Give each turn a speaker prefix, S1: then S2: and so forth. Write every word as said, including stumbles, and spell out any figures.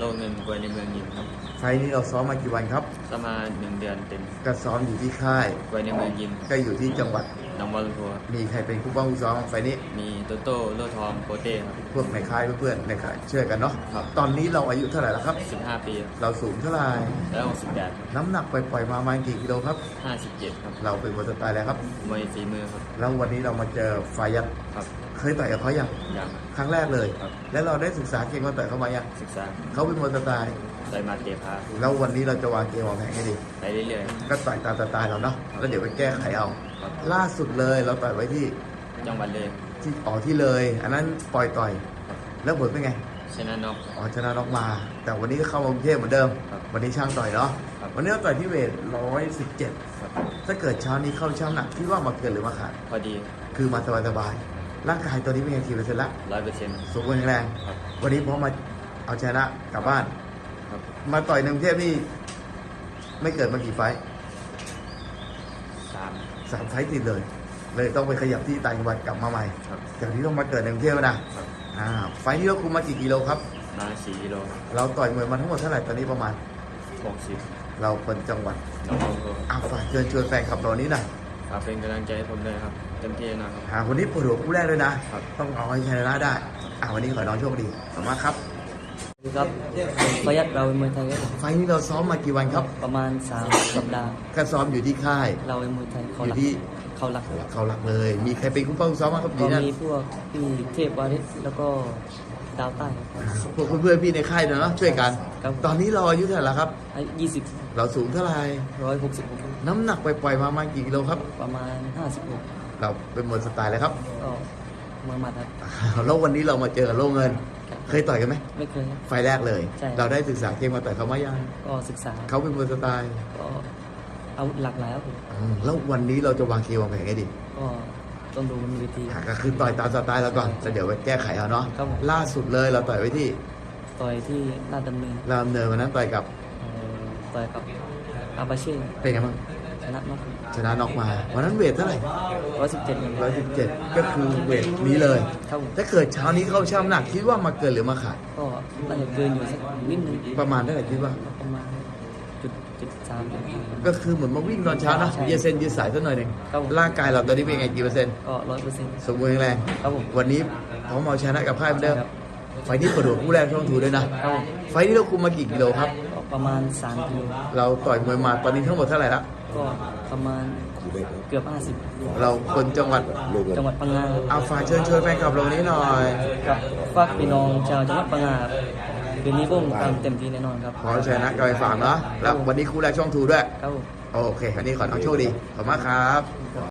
S1: เงินกวยในเมืองยิมครับ
S2: ไฟล์นี้เราซ้อมมากี่วันครับ
S1: ประมาณหนึ่งเดือนเต็ม
S2: ก็ซ้อมอยู่ที่ค่าย
S1: กวยในเมืองยิม
S2: ก็อยู่ที่จังหวัด
S1: หนองบัวลำพูครับ
S2: มีใครเป็นผู้ป้องผู้ซ้อมไฟล์นี้
S1: มีโตโต้โลทองโปเต้ครับ
S2: พวกในค่ายเพื่อนๆในค่ายช่วยกันเนาะ
S1: ครับ
S2: ตอนนี้เราอายุเท่าไหร่แล้วครับ
S1: สิบห้าปีครับ
S2: เราสูงเท่าไหร่
S1: แล้วหกสิบแปด
S2: น้ำหนักปล่อยๆมาประมาณกี่กิโลครับ
S1: ห้าสิบเจ็ดครับ
S2: เราเป็นมวยสไตล์แล้วครับ
S1: มวยฝีมือครับ
S2: แล้ววันนี้เรามาเจอไฟยักษ์
S1: ครับ
S2: เคยต่อยกับเขายัง
S1: อย่าง
S2: ครั้งแรกเลย
S1: ครับ
S2: แล้วเราได้ศึกษาเกมการต่อยเขามายัง
S1: ศึกษา
S2: เขาเป็นมวยสไตล์
S1: ใส่มาเตะพา
S2: แล้ววันนี้เราจะวางเกมวางแผนให้ดี
S1: ไปเรื่อยๆครับ
S2: ก็ต่อยตามสไตล์เราเนาะ แล้วเดี๋ยวไปแก้ไขเอา
S1: ครับ
S2: ล่าสุดเลยเราต่อยไว้ที่
S1: จังหวัดเลย
S2: ที่อ๋อที่เลย อันนั้นปล่อยต่อย
S1: ครับ
S2: แล้วผลเป็นไง
S1: ชนะน็อก
S2: อ๋อชนะน็อกมา แต่วันนี้ก็เข้ามากรุงเทพเหมือนเดิม
S1: ครับ
S2: วันนี้ช่างต่อยเนาะ
S1: ครับ
S2: วันนี้เราต่อยที่เวทร้อยสิบเจ็ด
S1: ครับ
S2: ถ้าเกิดเช้านี้เข้าช่างหนักคิดว่ามาเกินหรือมาขาด
S1: พอดี
S2: คือมาสบายๆร่างกายตัวนี้เป็นไงกี่เปอร์เซ็นต์ละ
S1: ร้อยเปอร์เซ็นต์
S2: สมบูรณ์แข็งแรง
S1: ครับ
S2: วันนี้พร้อมมาเอาชนะกลับบ้าน
S1: ครับ
S2: มาต่อยในกรุงเทพนี่ไม่เกิดมากี่ไฟท์
S1: สาม
S2: สามไฟท์ติดเลย เลยต้องไปขยับที่ต่างจังหวัดกลับมาใหม่
S1: ครับ
S2: จากที่ต้องมาเกิดในกรุงเทพนะครับ อ่าไฟท์ที่เราคุมมากี่กิโลครับ
S1: มาสี่กิโล
S2: เราต่อยมวยมาทั้งหมดเท่าไหร่ตอนนี้ประมาณ
S1: หกสิบ
S2: เราคนจังหวัด
S1: น้องบัวลำพู
S2: อ่าฝากเชิญชวนแฟนคลับเรานี้หน่อย
S1: ฝากเป็นกำลังใจให้ผมด้วยครับเต็มที่แนะครับ
S2: อ่าวันนี้ปวดหัวคู่แรกเลยนะครับ ต้องเอาให้ชนะได้อ่าวันนี้ขอให้น้องโชคดีขอบคุณมากครับ
S3: สวัสดีครับประหยัดเราเป็นมวยไทยครับ
S2: ไฟท์นี้เราซ้อมมากี่วันครับ
S3: ประมาณสามสัปดาห์
S2: ก็ซ้อมอยู่ที่ค่าย
S3: เราเป็นมวยไทยเขา
S2: อ
S3: หลั
S2: ยู่
S3: ก
S2: ที่
S3: เขาหลัก
S2: เขาหลักเลย มีใครเป็นคู่เป้าคู่ซ้อมบ้างครับ
S3: ก็
S2: ดีนะ
S3: มีพวกพี่เทพวาริศแล้วก็ดาวใต้ครับ
S2: อ่าพวกเพื่อนๆพี่ในค่ายเนาะช่วยกัน
S3: ครับ
S2: ตอนนี้เราอายุเท่าไหร่แล้วครับ
S3: อายุยี่สิบ
S2: เราสูงเท่าไหร่
S3: ร้อยหกสิบ
S2: น้ำหนักปล่อยๆมาประมาณกี่กิโลครับ
S3: ประมาณห้าสิบหก
S2: เราเป็นมวยสไตล์แล้วครับ
S3: ก็มวยหมัดครับ
S2: แล้ววันนี้เรามาเจอกับโล่เงิน เคยต่อยกันไหม
S3: ไม่เคยครับ
S2: ไฟล์แรกเลย
S3: ใช่
S2: เราได้ศึกษาเกมมาต่อยเขามายัง
S3: ก็ศึกษา
S2: เขาเป็นมวยสไตล์
S3: ก็เอาหลากหลายครับผม
S2: อืมแล้ววันนี้เราจะวางเกมวางแผนไงดี
S3: ก็ต้องดูบนเวที
S2: อ่ะก็คือต่อยตามสไตล์เราก่อนแล้วเดี๋ยวไปแก้ไขเอาเนาะ
S3: ครับผม
S2: ล่าสุดเลยเราต่อยไว้ที่
S3: ต่อยที่ลาดดำเนิน
S2: รามเนินวันนั้นต่อยกับ
S3: เอ่อต่อยกับอาบาเช่
S2: เป็นไงบ้าง
S3: ชนะน็อก
S2: ชนะน็อกมาวันนั้นเวทเท่าไหร่
S3: ร้อยสิบเจ็ด
S2: ร้อยสิบเจ็ดก็คือเวทนี้เลย
S3: ครับผม
S2: ถ้าเกิดเช้านี้เข้าช่ำหนักคิดว่ามาเกินหรือมาขาด
S3: ก็น่าจะเกินอยู่สักนิดนึง
S2: ประมาณเท่าไหร่คิดว่า
S3: ประมาณจุดจุดสามจุดห้า
S2: ก็คือเหมือนมาวิ่งตอนเช้านะ
S3: ใช่
S2: ยืดเส้นยืดสายสักหน่อยหนึ่ง
S3: ครับผม
S2: ร่างกายเราตอนนี้เป็นไงกี่เปอร์เซ็นต์
S3: ก็ร้อยเปอร์เซ็นต์
S2: สมบูรณ์แข็งแรง
S3: ครับผม
S2: วันนี้พร้อมเอาชนะกับค่ายเหมือนเดิม
S3: ครับ
S2: ไฟล์นี้ประดวกผู้แรกช่องถูด้วยนะ
S3: ครับผม
S2: ไฟล์นี้เราคุมมากี่กิโลครับ
S3: ก็ประมาณสามกิโล
S2: เราต่อยมวยมาตอนนี้ทั้งหมดเท่าไหร่ละ
S3: ก็ประมาณเกือบห้าสิบ
S2: เราคนจังหวัด
S3: จังหวัดพังงา
S2: เอาฝากเชิญชวนแฟนคลับเรานี้หน่อย
S3: กับฝากพี่น้องชาวจังหวัดพังงาครับคืนนี้พวกผมทำเต็มที่แน่นอนครับ
S2: ขอชนะกับไปฝากเนาะแล้ววันนี้คู่แรกช่องถูด้วย
S3: ครับผม
S2: โอเควันนี้ขอน้องโชคดีขอบคุณมากครับ